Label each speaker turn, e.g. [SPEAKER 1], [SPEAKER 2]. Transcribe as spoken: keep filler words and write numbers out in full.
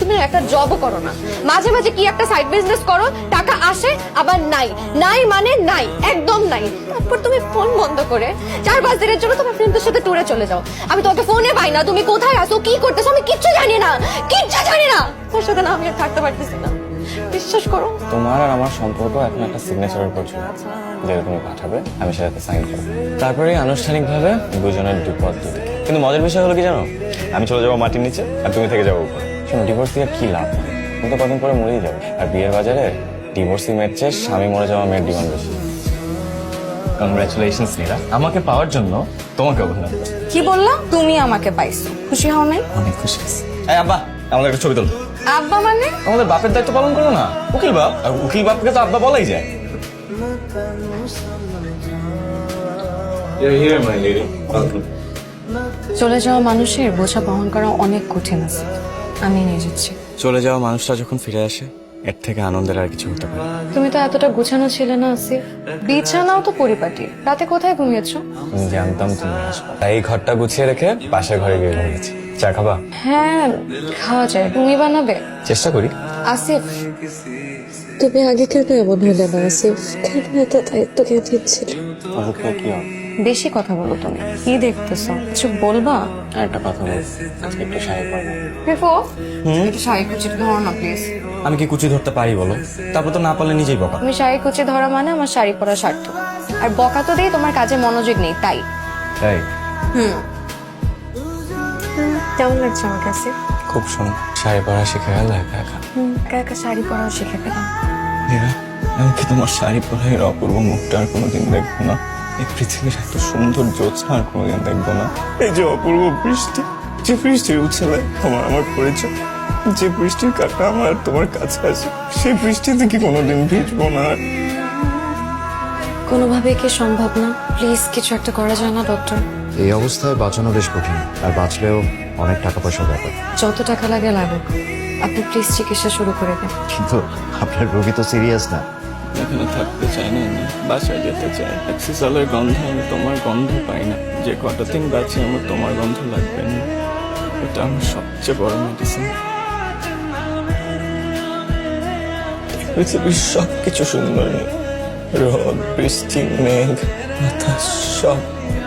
[SPEAKER 1] তুমি একটা জবও করো না, মাঝে মাঝে কি একটা সাইড বিজনেস করো, টাকা আসে আবার নাই, নাই মানে নাই, একদম নাই। তারপর তুমি ফোন বন্ধ করে চার পাঁচ দিনের জন্য তোমার ফ্রেন্ডদের সাথে ট্যুরে চলে যাও। আমি তোমাকে ফোনে পাই না, তুমি কোথায় আসো, কি করতেছো, আমি কিচ্ছু জানি না, কিচ্ছু জানি না। তোর সাথে না আমি আর থাকতে পারতেছি না, বিশ্বাস করো।
[SPEAKER 2] তোমার আর আমার সম্পর্ক এখন একটা সিগনেচারের উপর ছিল, যেটা তুমি পাঠাবে আমি সেটাতে সাইন করবো, তারপরে আনুষ্ঠানিকভাবে দুজনের দুপদ দুদিকে। কিন্তু মজার বিষয় হলো কি জানো, আমি চলে যাবো মাটির নিচে আর তুমি থেকে যাবো উপরে। শোনো, ডিভোর্স দিয়ে কি লাভ, তুমি তো কদিন পরে মরেই যাবে। আর বিয়ের বাজারে ডিভোর্সি মেয়ের চেয়ে স্বামী মরে যাওয়া মেয়ের ডিমান্ড বেশি। কংগ্রাচুলেশনস নীরা, আমাকে পাওয়ার জন্য তোমাকে অভিনন্দন।
[SPEAKER 1] কি বললাম? তুমি আমাকে পাইছো, খুশি হও নাই?
[SPEAKER 2] অনেক খুশি হয়েছি। এই আব্বা, আমাদের একটা ছবি তোলো।
[SPEAKER 1] আব্বা মানে?
[SPEAKER 2] আমাদের বাপের দায়িত্ব পালন করো না, উকিল বাপ। আর উকিল বাপকে তো আব্বা বলাই যায়।
[SPEAKER 1] চলে যাওয়া মানুষের বোঝা বহন করা অনেক কঠিন আছে, আমি নিয়ে যাচ্ছি।
[SPEAKER 2] চলে যাওয়া মানুষটা যখন ফিরে আসে, এর থেকে আনন্দের আর কিছু হতে পারে না।
[SPEAKER 1] তুমি তো এতটা গুছানো ছিলে না আসিফ, বিছানাও তো পরিপাটি। রাতে কোথায় ঘুমিয়েছো?
[SPEAKER 2] আমি জানতাম তুমি আসবে, তাই এই ঘরটা গুছিয়ে রেখে পাশের ঘরে গিয়ে ঘুমিয়েছি। চা খাবা?
[SPEAKER 1] হ্যাঁ খাওয়া যায়, তুমি বানাবে?
[SPEAKER 2] চেষ্টা করি।
[SPEAKER 1] আসিফ,
[SPEAKER 3] তুমি আগে কেন এমন হলে না আসিফ? কেন এত দায়িত্ব কে দিচ্ছিল?
[SPEAKER 2] অবশ্যই কি হবে?
[SPEAKER 1] বেশি কথা বলো তুমি, কি দেখতেছো, কিছু বলবা?
[SPEAKER 2] আর একটা কথা বল, আজকে একটু শাড়ি পরবো।
[SPEAKER 1] রিফো, একটু শাড়ি কুচি ধরো না প্লিজ।
[SPEAKER 2] আমি কি কুচি ধরতে পারি বলো? তারপর তো না পারলে নিজেই বকা।
[SPEAKER 1] তুমি শাড়ি কুচি ধরা মানে আমার শাড়ি পরা স্বার্থ, আর বকা তো দিয়ে তোমার কাজে মনোযোগ নেই তাই।
[SPEAKER 2] তাই?
[SPEAKER 1] হুম, কেমন লাগছে আমার কাছে?
[SPEAKER 2] খুব সুন্দর। শাড়ি পরা শিখে গেল একা একা।
[SPEAKER 1] হুম, একা একা শাড়ি পরাও শিখে গেলাম।
[SPEAKER 2] নীরা, আমি কি তোমার শাড়ি পরা এর অপূর্ব মুখটা আর কোনোদিন দেখবো না? এই পৃথিবীর এত সুন্দর জ্যোৎস্না আর কোনোদিন দেখবো না? এই যে অপূর্ব বৃষ্টি, যে বৃষ্টির উচ্ছলে আমার আমার পরিচয়, যে বৃষ্টির কাটা আমার তোমার কাছে আসে, সেই বৃষ্টিতে কি কোনোদিন ভিজবো না?
[SPEAKER 1] কোনোভাবে কি সম্ভব না? প্লিজ কিছু একটা করা যায় না ডক্টর?
[SPEAKER 4] এই অবস্থায় বাঁচানো বেশ কঠিন, আর বাঁচলেও অনেক টাকা পয়সার ব্যাপার।
[SPEAKER 1] যত টাকা লাগে লাগুক, আপনি প্লিজ চিকিৎসা শুরু করে দেন।
[SPEAKER 4] কিন্তু আপনার রোগী তো সিরিয়াস না।
[SPEAKER 2] এখানে থাকতে চাই না, আমি বাসায় যেতে চাই। অ্যাক্সিসালের গন্ধে আমি তোমার গন্ধ পাই না। যে কটা দিন বাঁচি আমার তোমার গন্ধ লাগবে না, এটা আমার সবচেয়ে বড় মেডিসিন। পৃথিবীর সবকিছু সুন্দর, রোদ, বৃষ্টি, মেঘ, বাতাস, সব